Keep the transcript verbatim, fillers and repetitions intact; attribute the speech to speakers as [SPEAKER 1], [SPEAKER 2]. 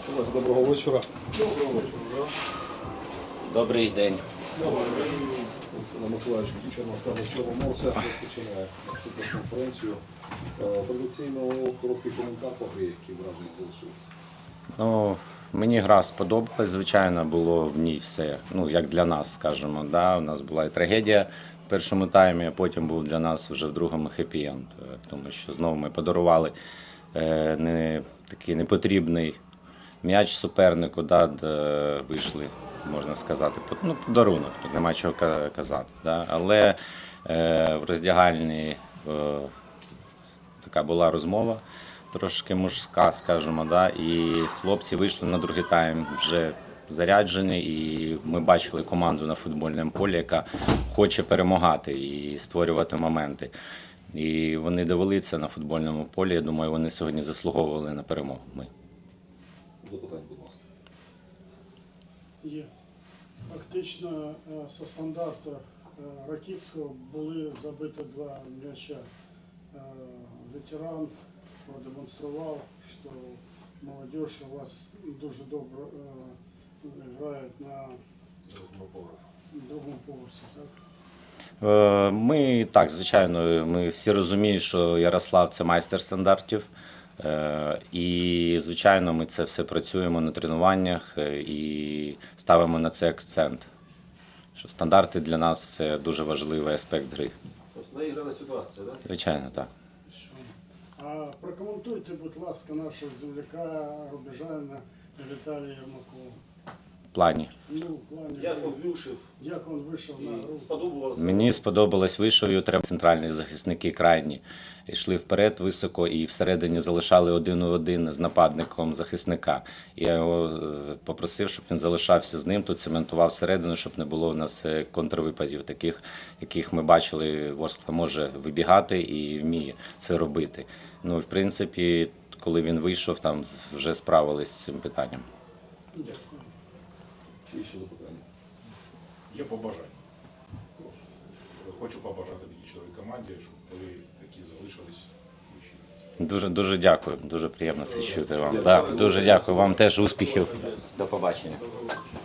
[SPEAKER 1] Доброго вечора.
[SPEAKER 2] Доброго вечора.
[SPEAKER 3] Добрий день.
[SPEAKER 1] Олександр Миколаївич Кучер, наставник Чорноморця, розпочинає нашу прес-конференцію. Традиційно короткий коментар по грі, які враження залишилися.
[SPEAKER 3] Ну, мені гра сподобалась, звичайно, було в ній все, ну, як для нас, скажімо. Да? У нас була і трагедія в першому таймі, а потім був для нас вже в другому хеппі-енд, тому що знову ми подарували е, не, такий непотрібний м'яч супернику, да, де вийшли, можна сказати, ну, подарунок, тут нема чого казати. Да? Але е, в роздягальні е, така була розмова, трошки мужська, скажімо, да? І хлопці вийшли на другий тайм вже заряджені, і ми бачили команду на футбольному полі, яка хоче перемагати і створювати моменти. І вони довели це на футбольному полі, я думаю, вони сьогодні заслуговували на перемогу. Ми.
[SPEAKER 1] Запитання, будь ласка.
[SPEAKER 2] Є. Фактично, зі стандарту Ракітського були забиті два м'яча. Ветеран продемонстрував, що молодь у вас дуже добре грає на другому поверсі, так?
[SPEAKER 3] Ми, так, звичайно, ми всі розуміємо, що Ярослав – це майстер стандартів. І, звичайно, ми це все працюємо на тренуваннях і ставимо на це акцент. Що стандарти для нас – це дуже важливий аспект гри.
[SPEAKER 1] Тобто наіграна ситуація, так?
[SPEAKER 3] Звичайно, так.
[SPEAKER 2] А прокоментуйте, будь ласка, нашого земляка, рубежанина Віталія Єрмакова.
[SPEAKER 3] В плані.
[SPEAKER 2] Ну, в плані,
[SPEAKER 1] Як він вийшов?
[SPEAKER 2] як він вийшов на гру?
[SPEAKER 1] Сподобалося?
[SPEAKER 3] Мені сподобалось, вийшов і треба центральні захисники крайні. Йшли вперед високо і всередині залишали один у один з нападником захисника. І я його попросив, щоб він залишався з ним, тут цементував всередину, щоб не було у нас контрвипадів, таких, яких ми бачили, Ворскла може вибігати і вміє це робити. Ну, в принципі, коли він вийшов, там вже справились з цим питанням.
[SPEAKER 2] Дякую.
[SPEAKER 1] Чи ще запитання?
[SPEAKER 4] Є побажання. Хочу побажати такій чудовій команді, щоб ви такі залишились.
[SPEAKER 3] Дуже, дуже дякую, дуже приємно це чути вам. Да, дуже дякую вам теж успіхів. До побачення.